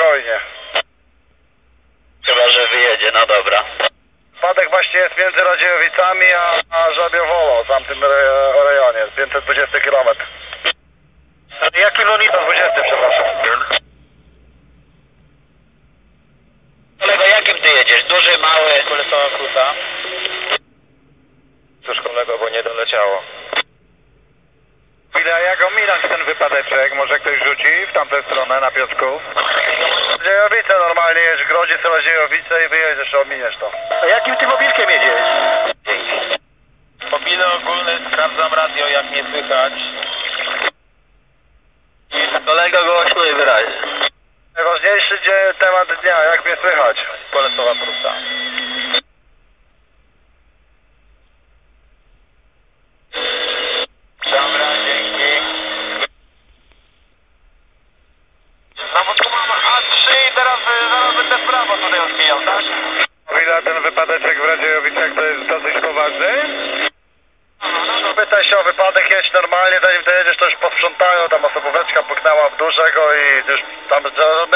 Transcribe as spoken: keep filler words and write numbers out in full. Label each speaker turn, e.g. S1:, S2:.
S1: spokojnie.
S2: Chyba, że wyjedzie, no dobra.
S1: Wypadek właśnie jest między Radziejowicami a, a Żabiowolą, w tamtym re, rejonie, pięćset dwadzieścia kilometrów.
S2: Jaki monitor?
S1: dwadzieścia, przepraszam.
S2: Kolego, jakim ty jedziesz? Duży, mały? Polecała kruta.
S1: Cóż kolego, bo nie doleciało. Chwila, jak ominąć ten wypadeczek? Może ktoś rzuci w tamtą stronę na Piotrków? Radziejowice normalnie jedź, w Grodzie są Radziejowice i wyjedziesz, ominiesz to.
S2: A jakim ty mobilkiem jedziesz?
S3: Mobile ogólny, sprawdzam radio, jak mnie słychać.
S2: Kolego, głośno i wyraźnie.
S1: Najważniejszy dzie- temat dnia, jak mnie słychać?
S3: Polesowa Prusa.
S1: Dobra, dzięki.
S3: No bo tu mam A trzy i teraz y, zaraz będę w prawo tutaj odbijał, tak?
S1: O ile ten wypadeczek w Radziejowicach to jest dosyć poważny? Pytaj się o wypadek, jedź normalnie, zanim dojedziesz to już posprzątają, tam osobóweczka puknęła w dużego i już tam